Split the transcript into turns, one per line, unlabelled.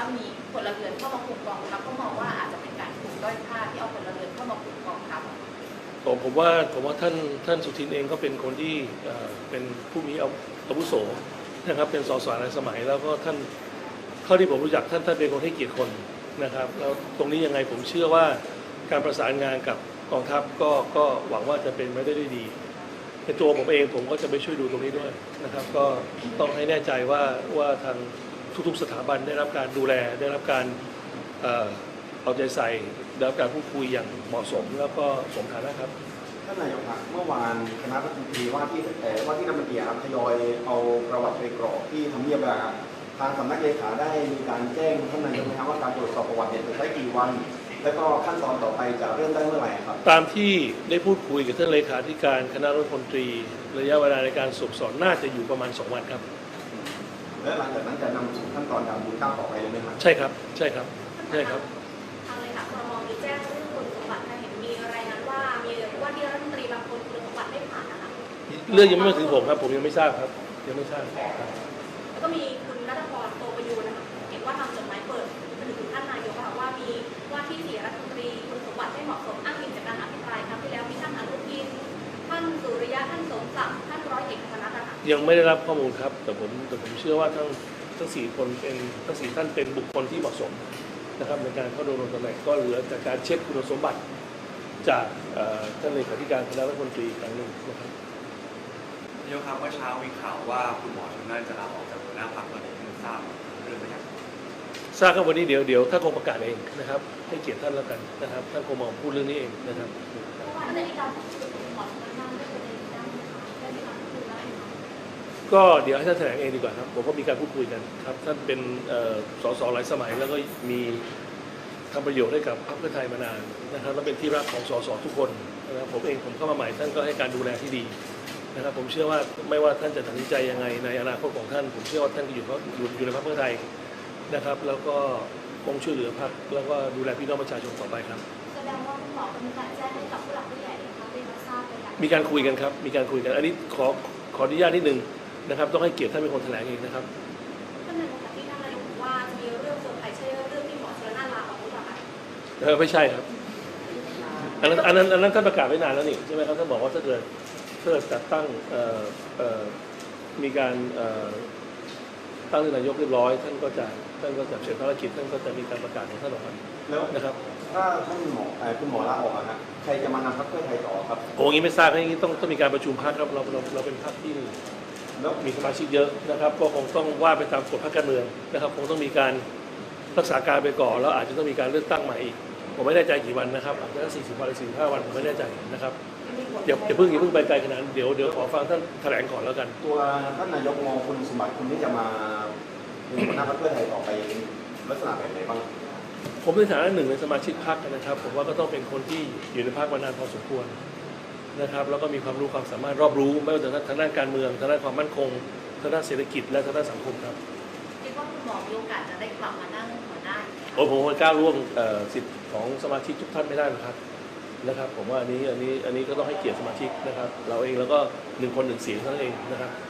มีพลเรือนเข้ามาคุมกองทัพก็มองว่าอาจจะเป็นการถูกด้อยค่าที่เอาพลเรือนเข้ามาคุมกองทัพ
ผมว่าท่านสุทินเองก็เป็นคนที่เป็นผู้มีอาวุโสนะครับเป็นสสในสมัยแล้วก็ท่านเท่าที่ผมรู้จักท่านเป็นคนให้เกียรติคนนะครับแล้วตรงนี้ยังไงผมเชื่อว่าการประสานงานกับกองทัพก็หวังว่าจะเป็นไปได้ด้วยดีในตัวผมเองผมก็จะไปช่วยดูตรงนี้ด้วยนะครับก็ต้องให้แน่ใจว่าทางทุกๆสถาบันได้รับการดูแลได้รับการเอาใจใส่ได้รับการพูดคุยอย่างเหมาะสมแล้วก็สมฐานะครับ
ท่านนายกครับเมื่อวานคณะรัฐมนตรีว่าที่รัฐมนตรีครับทยอยเอาประวัติไปกรอกที่ทำเนียบแล้วครับทางสำนักเลขาได้มีการแจ้งท่านนายกไหมครับว่าการตรวจสอบประวัติจะใช้กี่วันแล้วก็ขั้นตอนต่อไปจะเริ่มได้เมื่อไหร่ครับ
ตามที่ได้พูดคุยกับท่านเลขาธิการคณะรัฐมนตรีระยะเวลาในการสืบสวนน่าจะอยู่ประมาณ2 วันครับ
และหลังจากนั้นจะนำสู่ขั้นตอนการบูรณาต่อไปเลยไหมครับ
ใช่ครับใช่ครับใช่ครับ
ทางเลขาครม.มีแจ้งเรื่องคุณสมบัติเห็นมีรายงานว่ามีว่าที่รัฐมนตรีบางคนคุณสมบัติไม่ผ่านนะคะ
เรื่องยังไม่มาถึงผมครับผมยังไม่ทราบครับยังไม่ทราบ
แล้วก็มีคุณณัฐพร โตประยูรนะคะเห็นว่าทำจดหมายเปิดไปถึงท่านนายกว่ามีว่าที่4รัฐมนตรีคุณสมบัติไม่เหมาะสมอ้างอิงจากการอภิปรายครั้งที่แล้วมีท่านอนุทินท่านสุริยะท่านสมศักดิ์ท่านร้อยเอกธรรมนัสนะคะ
ยังไม่ได้รับข้อมูลครับแต่ผมเชื่อว่าทั้ง4 คนเป็นทั้ง4 ท่านเป็นบุคคลที่เหมาะสมนะครับในการเข้าดำรงตำแหน่งก็เหลือจากการเช็คคุณสมบัติจากท่านเลขาธิการคณะรัฐมนตรีครั้งหนึ่งนะครับ
นายกครับเมื่อเช้ามีข่าวว่าคุณหมอชลน่านจะลาออกจากหัวหน้าพรรคตอนนี้ทราบเรื่องไหมครับ
ทราบครับวันนี้เดี๋ยวท่านคงประกาศเองนะครับให้เกียรติท่านแล้วกันนะครับท่านคงมาพูดเรื่องนี้เองนะครับก็เดี๋ยวให้ท่านแถลงเองดีกว่าครับผมก็มีการพูดคุยกันครับท่านเป็นสสหลายสมัยแล้วก็มีทำประโยชน์ให้กับพรรคเพื่อไทยมานานนะครับและเป็นที่รักของสสทุกคนนะครับผมเองผมเข้ามาใหม่ท่านก็ให้การดูแลที่ดีนะครับผมเชื่อว่าไม่ว่าท่านจะตัดสินใจยังไงในอนาคตของท่านผมเชื่อว่าท่านก็อยู่ในพรรคเพื่อไทยนะครับแล้วก็คงช่วยเหลือพรรคแล้วก็ดูแลพี่น้องประชาชนต่อไปครับ
แสดงว่าคุณหมอมีการแจ้งให้กับผู้หลักผู้ใหญ่นะคะได้รับทราบเลยค่ะ
มีการคุยกันครับมีการคุยกันอันนี้ขออนุญาตนิดนึงนะครับต้องให้เกียรติท่านเป็นคนแถลงเองนะครับ
ท่านนายกที่ท่านนายกบอกว่าจะมีเรื่องเซอร์ไพรส์ใช่เรื่องที่หมอชลน่านลาออกหรือเปล่าคะ
ไม่ใช่ครับอันนั้นท่านประกาศไว้นานแล้วนี่ใช่ไหมครับท่านบอกว่าถ้าเกิดจัดตั้งมีการตั้งนายกเรียบร้อยท่านก็จะเสร็จภารกิจท่านก็จะมีการประกาศของท่านออกมา
แล้ว
นะครับ
ถ้าท่านคุณหมอลาออกนะใครจะมานำพรรคเพื่อไทยต่อครับ
โอ้ยงี้ไม่ทราบอย่างนี้ต้องมีการประชุมพรรคครับเราเป็นพรรคที่มีสมาชิกเยอะนะครับก็คงต้องว่าไปตามกฎพรรคการเมืองนะครับคงต้องมีการรักษาการไปก่อนแล้วอาจจะต้องมีการเลือกตั้งใหม่อีกผมไม่แน่ใจกี่วันนะครับอาจจะ40 วันหรือ45 วันผมไม่แน่ใจนะครับอย่าเพิ่งไปไกลขนาดนั้นเดี๋ยวขอฟังท่านแถลงก่อนแล้วกัน
ตัวท่านนายกมองคุณสมบัติคุณที่จะมาเป็นหัวหน้าพรรคเพื่อไทยต่อไปลักษณะแบบไหนบ้าง
ผมในฐานะหนึ่งในสมาชิกพรรคนะครับผมว่าก็ต้องเป็นคนที่อยู่ในพรรคมานานพอสมควรนะครับแล้วก็มีความรู้ความสามารถรอบรู้ไม่ว่าจะทางด้านการเมืองทางด้านความมั่นคงทางด้านเศรษฐกิจและทางด้านสังคมครับ
คิดว่าคุณหมอมีโอกาสจะได้กลับมานั่งหัวหน้า
ผมไม่กล้าล่วงสิทธิ์ของสมาชิกทุกท่านไม่ได้หรอกครับผมว่าอันนี้ก็ต้องให้เกียรติสมาชิกนะครับเราเองแล้วก็1 คน 1 เสียงเท่านั้นเองนะครับ